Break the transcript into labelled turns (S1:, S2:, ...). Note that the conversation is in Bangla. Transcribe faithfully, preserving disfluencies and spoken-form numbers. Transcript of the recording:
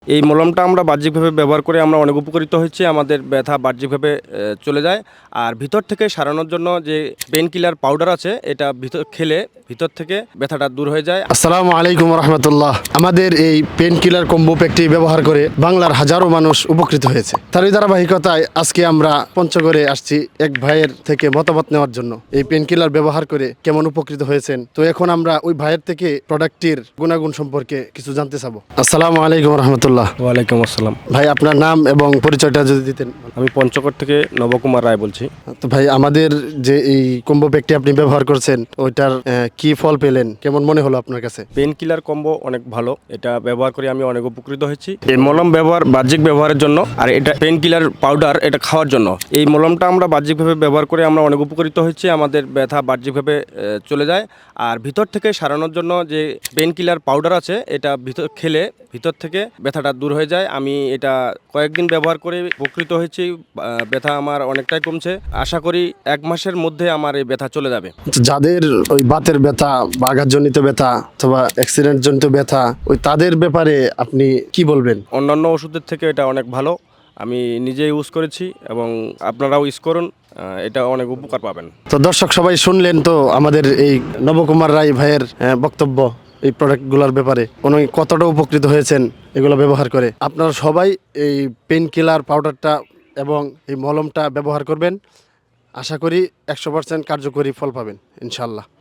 S1: এই মলমটা আমরা বাহ্যিকভাবে ব্যবহার করে আমরা অনেক উপকৃত হয়েছি। আমাদের ব্যথা বাহ্যিকভাবে এ, চলে যায়। আর ভিতর থেকে সারানোর জন্য যে পেন কিলার পাউডার আছে, এটা ভিতর খেলে ভিতর থেকে ব্যথাটা দূর হয়ে যায়।
S2: আসসালামু আলাইকুম রহমতুল্লাহ। আমাদের এই পেন কিলার কম্বো প্যাকটি ব্যবহার করে বাংলার হাজারো মানুষ উপকৃত হয়েছে। তারই ধারাবাহিকতায় আজকে আমরা পঞ্চগড়ে আসছি এক ভাইয়ের থেকে মতামত নেওয়ার জন্য এই পেন কিলার ব্যবহার করে কেমন উপকৃত হয়েছেন। তো এখন আমরা ওই ভাইয়ের থেকে প্রোডাক্টটির গুণাগুণ সম্পর্কে কিছু জানতে চাবো। আসসালামু আলাইকুম রহমতুল্লাহ।
S1: ওয়ালাইকুম আসসালাম।
S2: ভাই, আপনার নাম এবং পরিচয়টা যদি দিতেন।
S1: আমি পঞ্চগড় থেকে নবকুমার রায় বলছি।
S2: তো ভাই, আমাদের যে এই কম্বো প্যাকটি আপনি ব্যবহার করছেন, ওইটার আহ, কি ফল পেলেন, কেমন মনে হলো আপনার কাছে?
S1: পেন কিলার কম্বো অনেক ভালো, এটা ব্যবহার করে আমি অনেক উপকৃত হয়েছি। এই মলম ব্যবহার বাহ্যিক ব্যবহারের জন্য, আর এটা পেন কিলার পাউডার এটা খাওয়ার জন্য। এই মলমটা আমরা বাহ্যিকভাবে ব্যবহার করে আমরা অনেক উপকৃত হয়েছি। আমাদের ব্যথা বাহ্যিকভাবে এ, চলে যায়। আর ভিতর থেকে সারানোর জন্য যে পেন কিলার পাউডার আছে, এটা ভিতর খেলে ভিতর থেকে ব্যথাটা দূর হয়ে যায়। আমি এটা কয়েকদিন ব্যবহার করে উপকৃত হয়েছি। আহ, ব্যথা আমার অনেকটাই কমছে। আশা করি এক মাসের মধ্যে আমার এই ব্যথা চলে যাবে।
S2: যাদের ওই বাতের ব্যথা বা আঘাতজনিত ব্যথা অথবা অ্যাক্সিডেন্ট জনিত ব্যথা, ওই তাদের ব্যাপারে আপনি কি বলবেন?
S1: অন্যান্য ওষুধের থেকে এটা অনেক ভালো। আমি নিজে ইউজ করেছি এবং আপনারাও ইউজ করুন, আহ, এটা অনেক উপকার পাবেন।
S2: তো দর্শক সবাই শুনলেন তো আমাদের এই নবকুমার রায় ভাইয়ের আহ, বক্তব্য এই প্রোডাক্টগুলোর ব্যাপারে, উনি কতটা উপকৃত হয়েছেন এগুলো ব্যবহার করে। আপনারা সবাই এই পেন কিলার পাউডারটা এবং এই মলমটা ব্যবহার করবেন। আশা করি একশো পার্সেন্ট কার্যকরী ফল পাবেন ইনশাল্লাহ।